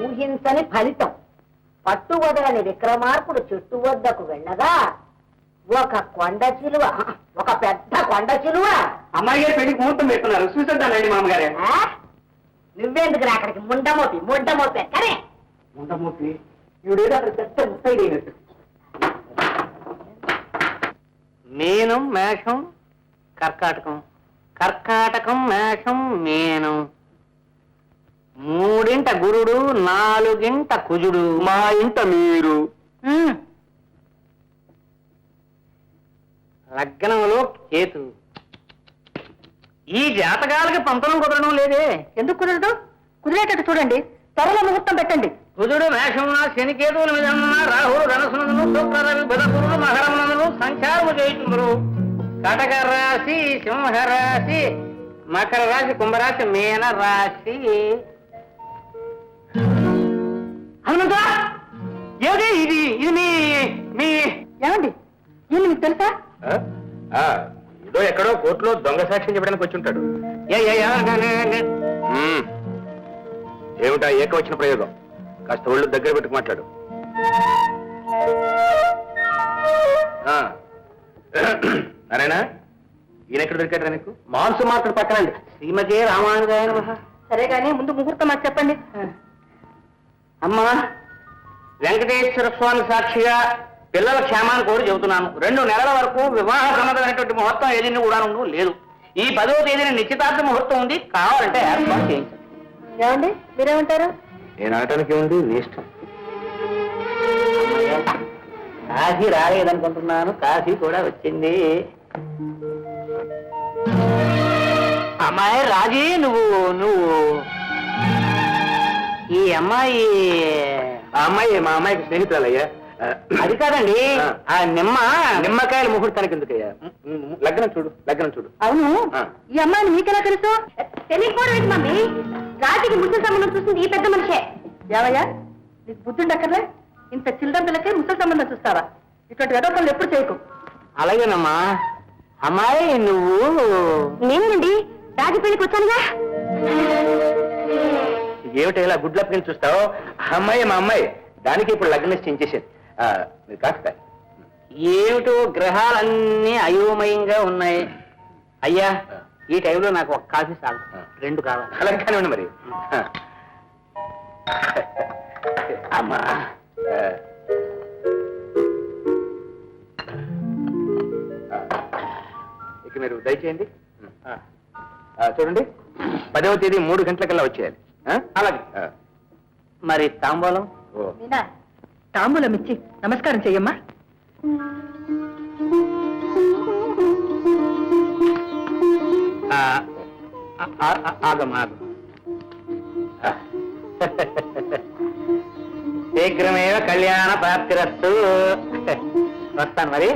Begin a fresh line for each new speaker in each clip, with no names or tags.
ఊహించని ఫలితం. పట్టువదలని విక్రమార్కుడు చెట్టు వద్దకు వెళ్ళగా ఒక కొండ చిలువ, ఒక పెద్ద కొండ చిలువ.
అమ్మాయి గారి పెళ్లికి ముహూర్తం పెట్టున్నారు, చూసేద్దానండి మామగారే.
నువ్వెందుకు అక్కడికి ముండమోపి కరే
ముండమూర్తి ఈవిడేదో అక్కడ పెద్ద ముత్తైదైనట్టు.
మీనం మేషం కర్కాటకం, కర్కాటకం మేషం మీనం, 3 గురుడు 4 కుజుడు,
మా ఇంట మీరు.
లగ్నంలో కేతు. ఈ జాతకాలకి పంపడం కుదరడం లేదే.
ఎందుకు కుదరదు? కుదిరేటట్టు చూడండి, త్వరలో ముహూర్తం పెట్టండి.
కుజుడు మేషమున, శనికేతువుల మీద రాహుడు ధనసునందును, శుక్రరవి బుధపురుడు మకరమునందును సంచారము చేయుచుందురు. కటక రాశి సింహరాశి, మకర రాశి కుంభరాశి మీన రాశి. హనుమంతా, ఏది ఇది? ఇది మీ మీ
ఏమండి, ఈయన మీకు తెలుసా?
ఏదో ఎక్కడో కోర్టులో దొంగ సాక్ష్యం చెప్పడానికి వచ్చి ఉంటాడు. ఏమిటా ఏకవచన ప్రయోగం? కాస్త ఒళ్ళు దగ్గర పెట్టుకు మాట్లాడు. నారాయణ, ఈయన ఎక్కడ దొరికాడు నీకు?
మాంసు మార్కెట్ పక్కనండి. శ్రీమతి రామానుజాయ నమః.
సరే కానీ ముందు ముహూర్తం అది చెప్పండి.
అమ్మా, వెంకటేశ్వర స్వామి సాక్షిగా పిల్లల క్షేమాన్ని కోరి చెబుతున్నాను. 2 నెలల వరకు వివాహ సంబంధమైనటువంటి ముహూర్తం ఏదైనా కూడా లేదు. ఈ 10వ తేదీన నిశ్చితార్థ ముహూర్తం ఉంది, కావాలంటే ఏర్పాటు చేయించండి.
ఏమండి, మీరేమంటారు?
నేను అనటానికి ఉంది వేస్ట్.
కాశీ రాలేదనుకుంటున్నాను, కాశీ కూడా వచ్చింది. అమ్మాయి రాజీ, నువ్వు ఈ అమ్మాయి
మా అమ్మాయికి స్నేహితురాలయ్యా.
అది కాదండి, ఆ నిమ్మకాయల ముహూర్తానికి ఎందుకయ్యా?
లగ్నం చూడు.
అవును, ఈ అమ్మాయిని మీకెలా తెలుసు? తెలియకపోవడం మమ్మీ, రాజుకి ముసలి సంబంధం చూసింది ఈ పెద్ద మనిషే. ఏవయ్యా, నీకు బుద్ధుండక్కర్లే? ఇంత చిల్లర పిల్లకే ముసలి సంబంధం చూస్తావా? ఇటువంటి వెదపనులు ఎప్పుడు చేయకు.
అలాగేనమ్మా. అమ్మాయి నువ్వు?
నేనండి, రాజు పెళ్లికి వచ్చానుగా.
ఏమిటి ఇలా గుడ్లప్పని చూస్తావు? అమ్మాయి మా అమ్మాయి, దానికి ఇప్పుడు లగ్న నిశ్చయించేసేది. మీరు కాస్త
ఏమిటో గ్రహాలన్నీ అయోమయంగా ఉన్నాయి. అయ్యా, ఈ టైంలో నాకు ఒక కాఫీ చాలు, 2 కావాలి.
అలాగే ఉండి మరి.
అమ్మా,
ఇక మీరు దయచేయండి. చూడండి, 10వ తేదీ 3 గంటలకల్లా వచ్చేయాలి.
అలాగే. మరి తాంబూలం?
మీనా, తాంబూలం ఇచ్చి నమస్కారం చెయ్యమ్మా.
ఆగమ్మా. శీఘ్రమేవ కళ్యాణ ప్రాప్తిరస్తు. వస్తాను మరి.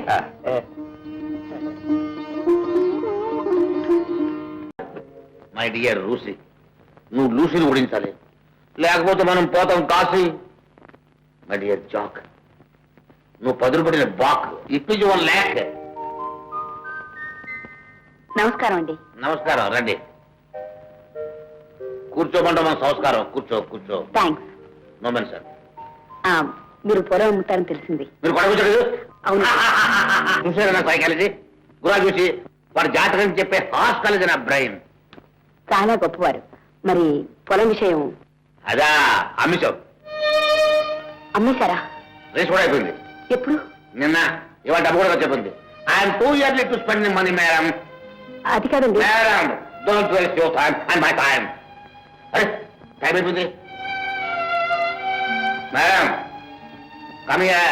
మై డియర్ లూసీ, నువ్వు లూసీని ఓడించాలి, లేకపోతే మనం పోతాం కాశీ. మై డియర్ జాక్, నువ్వు 10 రూపాయల బాక్ ఇప్పించి 1 lakh.
నమస్కారం అండి.
నమస్కారం, రండి కూర్చోమంటే మన సంస్కారం. కూర్చో.
థ్యాంక్స్.
No men sir.
మీరు పొలం అమ్ముతారని తెలిసింది.
మీరు పడకూడదు.
అవును.
చూసారా నా సైకాలజీ? గురా చూసి వాడు జాతకం చెప్పే హాస్కాలజీ నా బ్రెయిన్.
చాలా గొప్పవారు. మరి పొలం విషయం?
అదా అమ్మిసాం.
అమ్మేశారా?
రేస్ కూడా అయిపోయింది.
ఎప్పుడు?
నిన్న. ఇవాళ డబ్బు కూడా చెప్పింది. I'm too early to spend money madam.
అది కాదండి.
Madam, don't waste your time and my time. అరే, టైం అయిపోయింది. Madam, come here.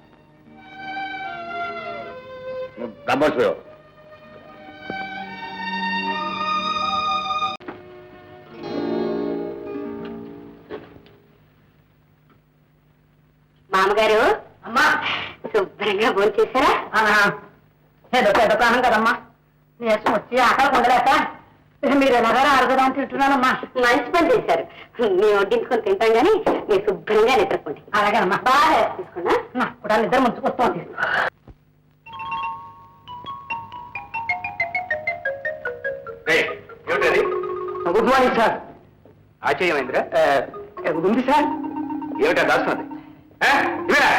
డబ్బు వచ్చిపోయావు.
మామగారు, అమ్మా, శుభ్రంగా భోజనం చేశారా? ఏదో పెద్ద ప్రాణం కదమ్మా, నీరసం వచ్చి ఆకలి ఉండలేక మీరు ఎలాగారో అరగదాన్ని తింటున్నానమ్మా. మంచి పని చేశారు. మేము వడ్డించుకొని తింటాం కానీ మీరు శుభ్రంగా నిద్రపోండి. అలాగేనమ్మా, బాగా తీసుకున్నా. నాకు కూడా నిద్ర ముంచుకొస్తోంది.
Good morning sir.
ఆశ్చర్యమైందిరా. ఉంది సార్.
ఏమిటా దాస్తున్నది? ఇవిరా.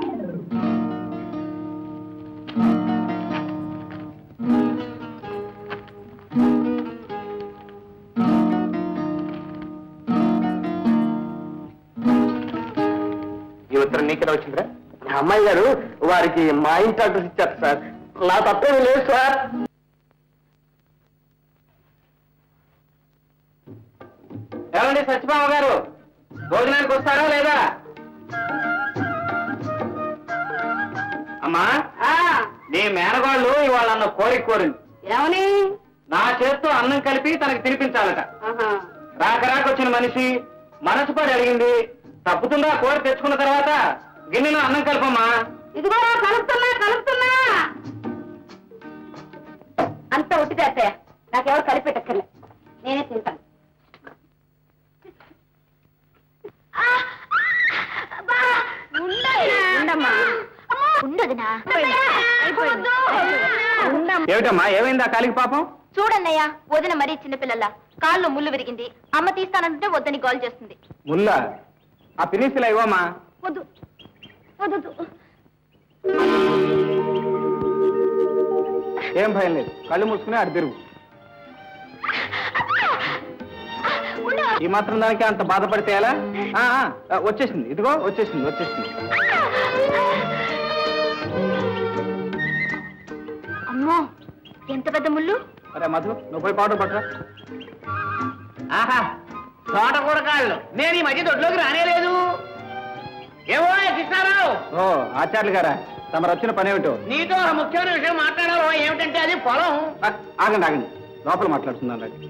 ఈ ఉత్తరం నీకెలా వచ్చిందిరా?
అమ్మాయి గారు వారికి మా ఇంటి అడ్రస్ ఇచ్చారు సార్. నా తప్పేమీ లేదు సార్. ఏమండి సత్యభామ గారు, భోజనానికి వస్తారా లేదా? అమ్మా, నీ మేనగాళ్ళు ఇవాళ అన్న కోరిక కోరింది.
ఏమని?
నా చేత్తో అన్నం కలిపి తనకి తినిపించాలట. రాక వచ్చిన మనిషి మనసు పడి అడిగింది. తప్పుతుందా కోరి తెచ్చుకున్న తర్వాత గిన్నెలో అన్నం కలపమ్మా.
ఇదిగో కలుపుతున్నా కలుపుతున్నా. అంత ఉట్టిదే అత్తయ్య, నాకెవరు కలిపెట్టక్కర్లే, నేనే తింటాను.
ఏమిటమ్మా, ఏమైందా కాలికి పాపం?
చూడన్నయ్య, వదిన మరీ చిన్నపిల్లల కాళ్ళు ముళ్ళు విరిగింది. అమ్మ తీస్తానంటే వద్దని గోల్ చేస్తుంది.
ముల్లా, ఆ పినిసిలా ఇవ్వమ్మా.
వద్దు వద్దు.
ఏం భయం లేదు, కళ్ళు మూసుకుని అటు తిరుగు. ఈ మాత్రం దానికి అంత బాధపడితే ఎలా? వచ్చేసింది, ఇదిగో వచ్చేసింది వచ్చేసింది.
అమ్మో, ఎంత పెద్ద ముళ్ళు.
అరే మధు, నువ్వు పోయి పౌడర్ పట్టరా.
ఆహా, తోటకూర కాళ్ళు. నేను ఈ మధ్య దొడ్లోకి రానేలేదు. ఏమో కృష్ణారావు.
ఓ ఆచార్యులు గారా, తమరు వచ్చిన పని ఏమిటో?
నీతో ఒక ముఖ్యమైన విషయం మాట్లాడారు. ఏమిటంటే అది పొలం.
ఆగండి ఆగండి, లోపల మాట్లాడుతున్నాను. రండి.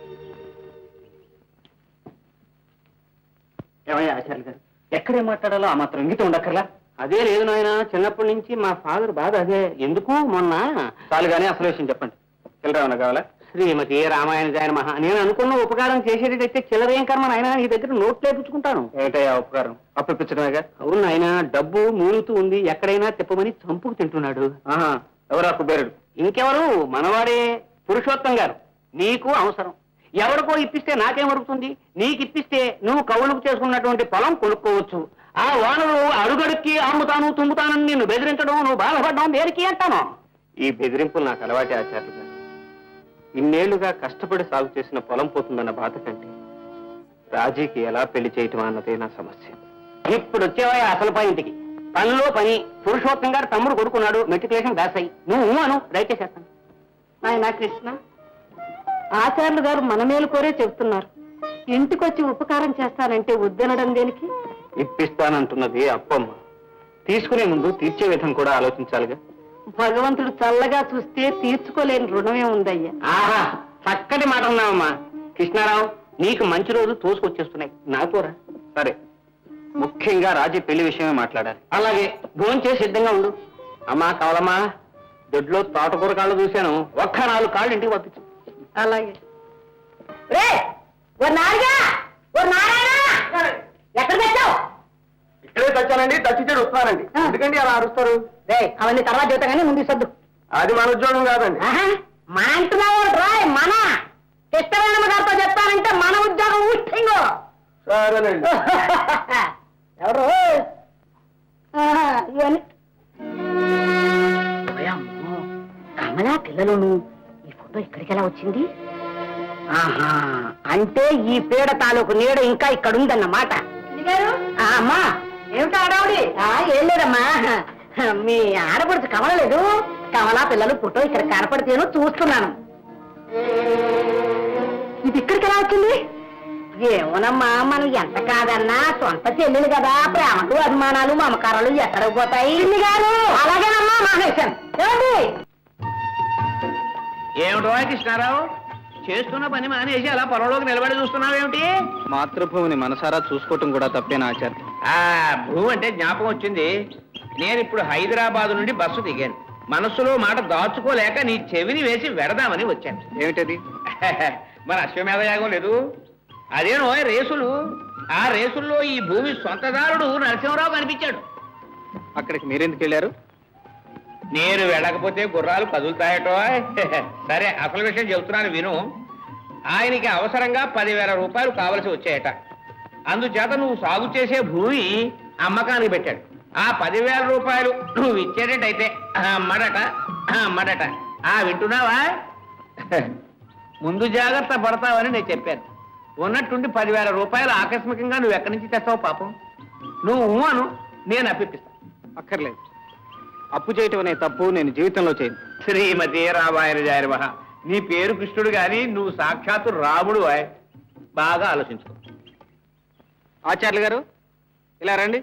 ఏమయ్యా ఆచార్యులు గారు, ఎక్కడే మాట్లాడాలో ఆ మాత్రం ఇంగితం ఉండక్కర్లా? అదే లేదు నాయన, చిన్నప్పటి నుంచి మా ఫాదర్ బాధ అదే. ఎందుకు మొన్న చాలు కానీ అసలు విషయం చెప్పండి. చిల్లరేమన్నా కావాలా? శ్రీమతి రామాయణ జాయన మహా, నేను అనుకున్న ఉపకారం చేసేటైతే చిల్లరేం కర్మ నాయన, నీ దగ్గర నోట్ లేపించుకుంటాను. ఏంటయ్యా ఉపకారం? అప్పిపించడమేగా. అవును నాయన, డబ్బు మూలుతూ ఉంది, ఎక్కడైనా తిప్పమని చంపుకు తింటున్నాడు. ఎవరు అప్పు బేరుడు? ఇంకెవరు, మనవాడే పురుషోత్తం గారు. నీకు అవసరం, ఎవరికో ఇప్పిస్తే నాకేం వరుగుతుంది? నీకు ఇప్పిస్తే నువ్వు కవులకు చేసుకున్నటువంటి పొలం కొనుక్కోవచ్చు. ఆ వానలు అడుగడుక్కి అమ్ముతాను తుమ్ముతానని నిన్ను బెదిరించడం, నువ్వు బాధపడడం దేనికి అంటాను? ఈ బెదిరింపులు నాకు అలవాటే ఆచార్యులు గారు. ఇన్నేళ్లుగా కష్టపడి సాగు చేసిన పొలం పోతుందన్న బాధ కంటే రాజీకి ఎలా పెళ్లి చేయటం అన్నదే నా సమస్య. ఇప్పుడు వచ్చేవా అసలు పాయింట్కి. పనిలో పని. పురుషోత్తం గారు తమ్ముడు కొడుకున్నాడు, మెట్రికులేషన్ పాస్ అయ్యి. నువ్వు అను, దయచేసేస్తాను.
నాయనా కృష్ణ, ఆచార్యులు గారు మన మేలు కోరే చెబుతున్నారు. ఇంటికొచ్చి ఉపకారం చేస్తానంటే వద్దనడం దేనికి?
ఇప్పిస్తానంటున్నది అప్పమ్మ. తీసుకునే ముందు తీర్చే విధం కూడా ఆలోచించాలిగా.
భగవంతుడు చల్లగా చూస్తే తీర్చుకోలేని రుణమే ఉందయ్యా.
ఆహా, చక్కటి మాట ఉన్నావమ్మా. కృష్ణారావు, నీకు మంచి రోజు తోసుకొచ్చేస్తున్నాయి. నాకోరా. సరే, ముఖ్యంగా రాజీ పెళ్లి విషయమే మాట్లాడాలి. అలాగే, భోంచేసి సిద్ధంగా ఉండు. అమ్మా కావాలమ్మా, దొడ్లో తోటకూర కాళ్ళు చూశాను, ఒక్క 4 కాళ్ళు ఇంటికి పంపించు.
అలాగే. రే ఓ నారిగా, ఓ నారాయణ, ఎక్కడ తెచ్చావు?
ఇక్కడే తెచ్చానండి, తెచ్చిచ్చాడు వస్తున్నానండి. ఎందుకండి అలా అరుస్తారు?
రే అవన్నీ తర్వాత చెబుతా కానీ ముందు సద్దు.
అది మన ఉద్యోగం కాదండి.
మన అంటున్నావు రాయ్, మన కృష్ణవేణమ్మ గారితో చెప్తానంటే మన ఉద్యోగం ఊహింగో.
సరేనండి.
ఎవరు ఇవన్నీ కమలా పిల్లలను ఈ ఫోటో ఇక్కడికి ఎలా వచ్చింది? ఆహా, అంటే ఈ పీడ తాలూకు నీడ ఇంకా ఇక్కడ ఉందన్నమాట. అమ్మా ఏమిటా ఆడావుడి? ఏం లేదమ్మా, మీ ఆడపడుచు కమలలేదు, కమలా పిల్లలు ఫోటో ఇక్కడ కనపడితేను చూస్తున్నాను. ఇది ఇక్కడికి ఎలా వచ్చింది? ఏమోనమ్మా, మనం ఎంత కాదన్నా సొంత చెల్లెలు కదా, ప్రేమలు అభిమానాలు మమకారాలు ఎక్కడికి పోతాయి గారు? అలాగేనమ్మా మహేశం. ఏమండి?
ఏమిటో కృష్ణారావు, చేస్తున్న పని మానేసి అలా పొలంలోకి నిలబడి చూస్తున్నావేమిటి?
మాతృభూమిని మనసారా చూసుకోవటం కూడా తప్పేనా ఆచార్య?
భూమి అంటే జ్ఞాపకం వచ్చింది. నేను ఇప్పుడు హైదరాబాద్ నుండి బస్సు దిగాను. మనస్సులో మాట దాచుకోలేక నీ చెవిని వేసి వెడదామని వచ్చాను.
ఏమిటది?
మన అశ్వమేధ యాగం లేదు, అదేనో రేసులు. ఆ రేసుల్లో ఈ భూమి సొంతదారుడు నరసింహరావు కనిపించాడు.
అక్కడికి మీరెందుకు వెళ్ళారు?
నేను వెళ్ళకపోతే గుర్రాలు కదులుతాయటో. సరే, అసలు విషయం చెబుతున్నాను విను. ఆయనకి అవసరంగా 10,000 రూపాయలు కావలసి వచ్చాయట. అందుచేత నువ్వు సాగు చేసే భూమి అమ్మకానికి పెట్టాడు. ఆ 10,000 రూపాయలు నువ్వు ఇచ్చేటట్టయితే అమ్మడట. వింటున్నావా? ముందు జాగ్రత్త పడతావని నేను చెప్పాను. ఉన్నట్టుండి 10,000 రూపాయలు ఆకస్మికంగా నువ్వు ఎక్కడి నుంచి తెస్తావు పాపం? నువ్వు అను, నేను అప్పిస్తా.
అక్కర్లేదు. అప్పు చేయటం అనే తప్పు నేను జీవితంలో చేయను.
శ్రీమతి రామాయణ జాయర్మహ, నీ పేరు కృష్ణుడు గాని నువ్వు సాక్షాత్తు రాముడు. బాగా ఆలోచించుకో.
ఆచార్యులు గారు ఇలా రండి.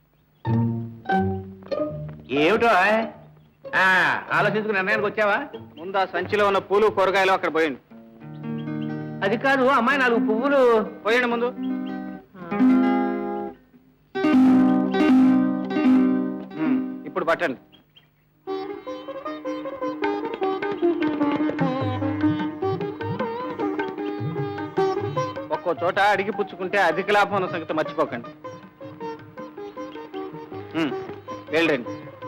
ఏమిటో ఆలోచించుకుని నిర్ణయానికి వచ్చావా?
ముందు ఆ సంచిలో ఉన్న పూలు కూరగాయలు అక్కడ పోయండి.
అది కాదు అమ్మాయి, 4 పువ్వులు
పోయండి ముందు. ఇప్పుడు పట్టండి. ఒక్కో చోట అడిగి పుచ్చుకుంటే అధిక లాభం ఉన్న సంగతి మర్చిపోకండి. వెళ్ళండి.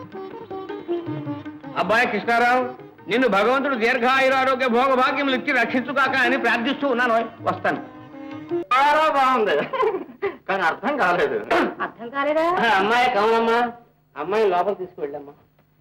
అబ్బాయి కృష్ణారావు, నిన్ను భగవంతుడు దీర్ఘాయురారోగ్య భోగ భాగ్యములు ఇచ్చి రక్షించుగాక అని ప్రార్థిస్తూ ఉన్నాను. వస్తాను.
చాలా బాగుంది, కానీ అర్థం కాలేదు.
అర్థం కాలేదా?
అమ్మాయి కావాలమ్మా, అమ్మాయి లోపల తీసుకువెళ్ళమ్మా.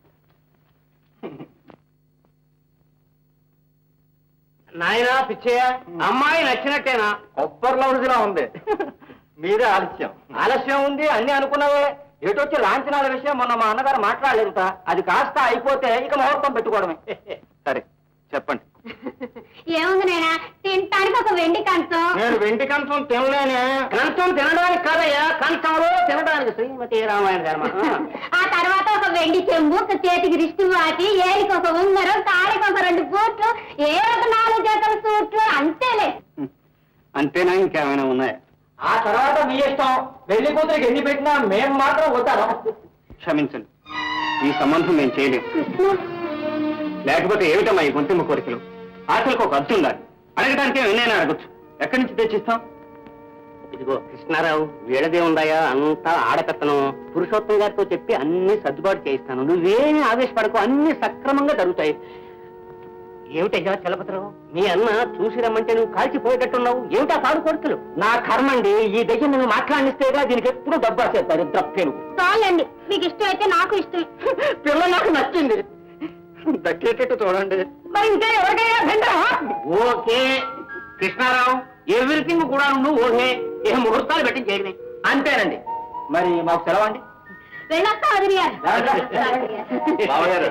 నాయనా పిచ్చయ్య, అమ్మాయి నచ్చినట్టేనా? కొబ్బరి లౌజులా ఉంది. మీరే ఆలస్యం ఉంది అన్ని అనుకున్నావే. ఎటొచ్చి లాంఛనాల విషయం మొన్న మా అన్నగారు మాట్లాడలేదుట. అది కాస్త అయిపోతే ఇక ముహూర్తం పెట్టుకోవడమే. సరే చెప్పండి.
ఏముంది నాయనా, తినటానికి ఒక వెండి కంచం.
నేను వెండి కంచం తినలేనే. కంచం తినడానికి కాదయ్యా, కంచంలో తినడానికి. శ్రీమతి రామాయణ ధర్మ.
ఆ తర్వాత ఒక వెండి చెంబు, ఒక చేతికి రిష్టి వాటి, ఏలికి ఒక ఉంగరం, తాళికి ఒక 2 బూట్లు, ఒక 4 జతల సూట్లు, అంతేలే.
అంతేనా? ఇంకేమైనా ఉన్నాయా? ఆ తర్వాత మీ ఇష్టం. పెళ్లి కూతురికి ఎన్ని పెట్టినా మేము మాత్రం వద్దాం. క్షమించండి, ఈ సంబంధం మేము చేయలేము. లేకపోతే ఏమిటమ్మా ఈ గొంతుమ్మ కోరికలు? ఆశలకు ఒక అర్థం ఉండాలి. అడగడానికి ఎన్నైనా అడగచ్చు. ఎక్కడి నుంచి తెచ్చిస్తాం? ఇదిగో కృష్ణారావు, వీళ్ళదే ఉందాయా అంతా ఆడకత్తనం. పురుషోత్తం గారితో చెప్పి అన్ని సర్దుబాటు చేయిస్తాను. నువ్వేమీ ఆవేశపడకు, అన్ని సక్రమంగా జరుగుతాయి. ఏమిటయ్యా చలపతిరావు, మీ అన్న చూసి రమ్మంటే నువ్వు కాల్చిపోయేటట్టున్నావు. ఏమిటా కాడు కోరికలు? నా కర్మండి, ఈ దగ్గర నువ్వు మాట్లాడిస్తేగా దీనికి ఎప్పుడు డబ్బా చేస్తారు. ద్రప్పేను
చాలండి, మీకు ఇష్టం అయితే నాకు ఇష్టం.
పిల్ల నాకు నచ్చింది, దక్కేటట్టు చూడండి.
మరి ఇంకా ఎవరికైనా
ఓకే కృష్ణారావు, ఎవ్రీథింగ్ కూడా నువ్వు ఓకే. ఏ ముహూర్తాలు పెట్టి చేయని అంతేనండి. మరి మాకు సెలవండి.
వెళ్ళొస్తా వదిలి గారు.
బావగారు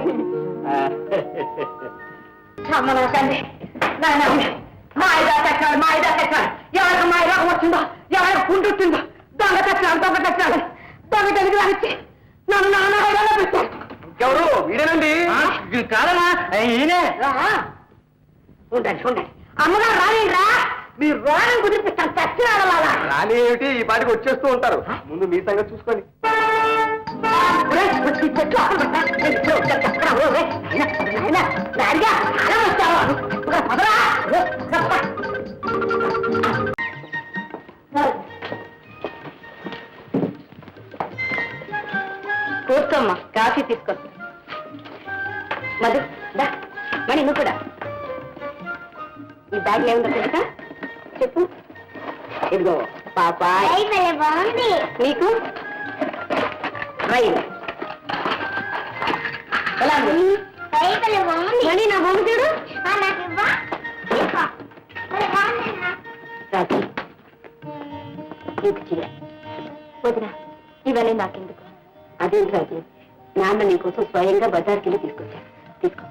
సంబంధండి. మాయిదా కట్టాడు. ఎవరికి మాయి రోగం వచ్చిందో, ఎవరికి పుండు వచ్చిందో, దొంగ కట్టాడు. దొంగ తెలివి రానిచ్చి నన్ను నాన్న పెట్టాడు.
ఎవరు? వీడేనండి. కాదనా? ఈయనే.
ఉండండి. అమ్మగారు రానిరా, మీరు రోగం కుదిరిపిస్తాను. చచ్చినాడు వాళ్ళ
రాని ఏమిటి, ఈ పాటికి వచ్చేస్తూ ఉంటారు. ముందు మీ సంగతి చూసుకోండి.
కూర్చోమ్మా, కాఫీ తీసుకొస్తా. మధు దా, మణి నువ్వు కూడా. ఈ బ్యాగ్ ఏముందో తెలుసా? చెప్పు. ఇదిగో పాపాయ్,
బాగుంది.
నీకు రైలు. ఎలా ఉంది? మణి నా బొమ్మ చూడు. రాజీ, నీకు చీర. వదినా, ఇవన్నీ నాకెందుకు? అదేంటి రాజీ, నాన్న నీకోసం స్వయంగా బజార్కి వెళ్ళి తీసుకొచ్చాను. తీసుకో.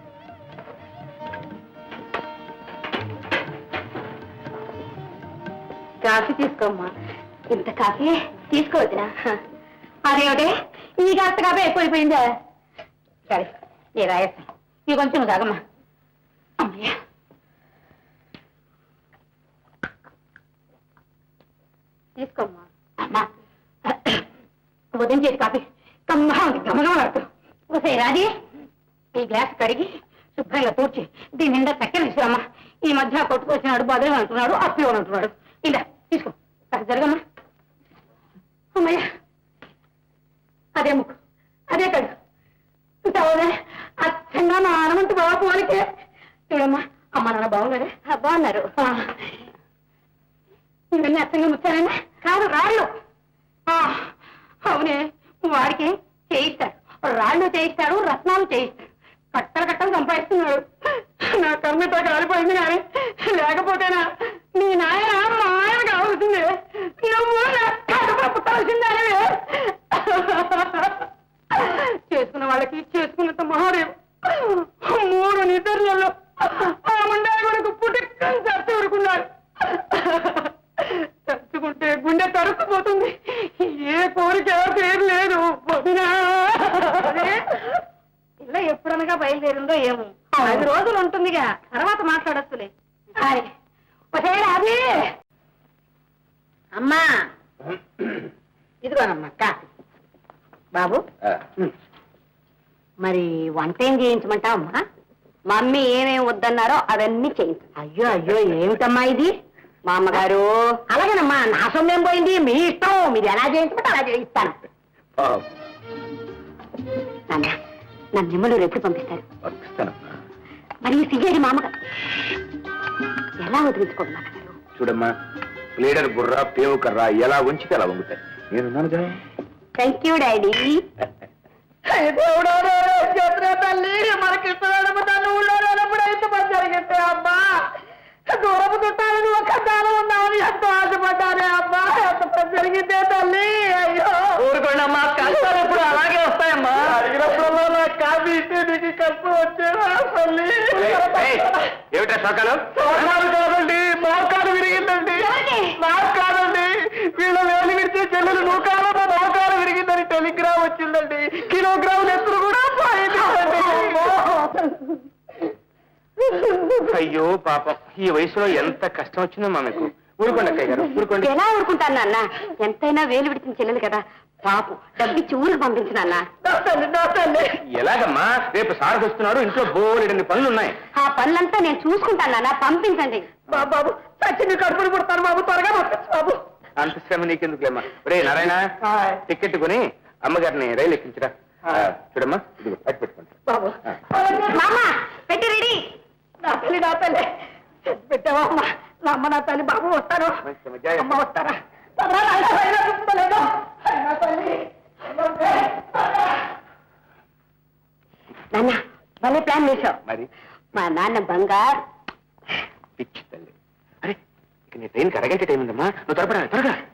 కాఫీ తీసుకోమ్మా. ఇంత కాఫీ తీసుకోవద్దునా? అదేమిటే, ఈ కాస్త కాఫీ ఎక్కువైపోయిందా? సరే, నేను రాయేస్తాను. ఇవి కొంచెం తాగమ్మా. అమ్మయ్యా, తీసుకోమ్మా. అమ్మా, ఉదయం చేసి కాఫీ కమ్మగా ఉంది, గమగమలాడుతూ. ఒకసారి రాజీ, ఈ గ్లాస్ కడిగి శుభ్రంగా తూర్చి దీని నిండా చక్కెర తీసుకురమ్మా. ఈ మధ్య కొట్టుకొచ్చినాడు, బదులు అంటున్నాడు, అప్పు అంటున్నాడు. ఇలా తీసుకో, కాస్త జరగమ్మా. అమ్మయ్య, అదే ముక్కు, అదే కడు. చూసావా, అచ్చంగా మా ఆనమంతు బాబు వాళ్ళకి. చూడమ్మా, అమ్మ నాన్న బాగున్నారా? బాగున్నారు. ఇవన్నీ అచ్చంగా ముచ్చారన్నా? కాదు రాళ్ళు. అవునే, వాడికి చేయిస్తాడు, రాళ్ళు చేయిస్తాడు, రత్నాలు చేయిస్తాడు, కట్టలు కట్టలు సంపాదిస్తున్నాడు. నా కర్మతో కాలిపోయింది కానీ లేకపోతేనా నీ నాయన మా ఆయన కావాల్సిందే, నువ్వు నా కడుపు పుట్టాల్సిందే. చేసుకున్న వాళ్ళకి చేసుకున్నంత మహాదేవ్ 3 నిద్రలలో ఆ ముండా కొడుకు పుట్టుకని చచ్చి ఊరుకున్నాడు. తలుచుకుంటే గుండె తరుక్కుపోతుంది. ఏ కోరిక పేరు లేదు. ఇలా ఎప్పుడనగా బయలుదేరిందో ఏమో, 5 రోజులు ఉంటుందిగా, తర్వాత మాట్లాడొచ్చులే. అది అమ్మా, ఇదిగోనమ్మా కాఫీ. బాబు మరి వంట ఏం చేయించమంటావమ్మా? మమ్మీ ఏమేమి వద్దన్నారో అవన్నీ చేయించు. అయ్యో అయ్యో, ఏమిటమ్మా ఇది? మా అమ్మగారు అలాగేనమ్మా, నా సొమ్మేం పోయింది, మీ ఇష్టం, మీరు ఎలా చేయించమంటే అలా చేయిస్తాను. నాన్న, నా నిమ్మలు ఎప్పుడు పంపిస్తారు? మరి ఈ సిగేడి మామగారు ఎలా వదిలించుకోండి నాన్నగారు?
చూడమ్మా, ప్లేడర్ బుర్ర పేవు కర్ర ఎలా ఉంచితే అలా వంగుతాయి. నేనున్నాను కదా.
Thank you daddy. తల్లి మనకి తల్లి ఊళ్ళో ఎప్పుడైతే పని జరిగితే అమ్మా, దూరపు చుట్టాలని ఒక దానం ఉందామని ఎంతో ఆశపడ్డానే అమ్మా, ఎంత పని జరిగితే తల్లి. అయ్యో
ఊరుకోండమ్మా, కష్టాలు ఎప్పుడు అలాగే వస్తాయమ్మా.
అడిగినప్పుడల్లా నాకు కాఫీ ఇస్తే నీకు కష్టం వచ్చేవా తల్లి?
ఏమిటా సకాలం?
మోకాలు కాదండి, మోకాలు విరిగిందండి. నాకు కాదండి, వీళ్ళ వేలు విడితే చెల్లెలు నూకాలు మోకాలు విరిగిందని టెలిగ్రామ్ వచ్చిందండి. కిలోగ్రాములు ఎత్తులు కూడా పోయిందండి.
అయ్యో పాపం, ఈ వయసులో ఎంత కష్టం వచ్చిందమ్మా మీకు. ఊరుకోండి అక్కయ్య గారు, ఊరుకోండి.
ఎలా ఊరుకుంటాను నాన్న? ఎంతైనా వేలు విడిచిన చెల్లెలు కదా, పాపు డబ్బిచ్చి ఊరికి పంపించిన
ఎలాగమ్మా? రేపు సార్ వస్తున్నాడు, ఇంట్లో బోలెడన్ని పనులు ఉన్నాయి.
ఆ పనులంతా నేను చూసుకుంటాను నాన్న, పంపించండి. బాబు చచ్చి కడుపులు పుడతాను బాబు, త్వరగా పంపించు బాబు.
అంత శ్రమ నీకెందుకులేమ్మా. రే నారాయణ, టికెట్ కొని అమ్మగారిని రైలు ఎక్కించరా. చూడమ్మా, ఇదిగో అటు పెట్టుకోండి.
బాబు మామ పెట్టి రెడీ. నా తల్లి, నా తల్లి పెట్టావా అమ్మా? నా అమ్మ, నా తల్లి, బాబు వస్తాను. అమ్మ వస్తారా? నాన్న భలే ప్లాన్ వేశావు.
మరి
మా నాన్న బంగారు.
పిచ్చి తల్లి. అరే, ఇక నీ ట్రైన్కి అరగంట టైం ఉందమ్మా, నువ్వు త్వరపడాలి, త్వరగా.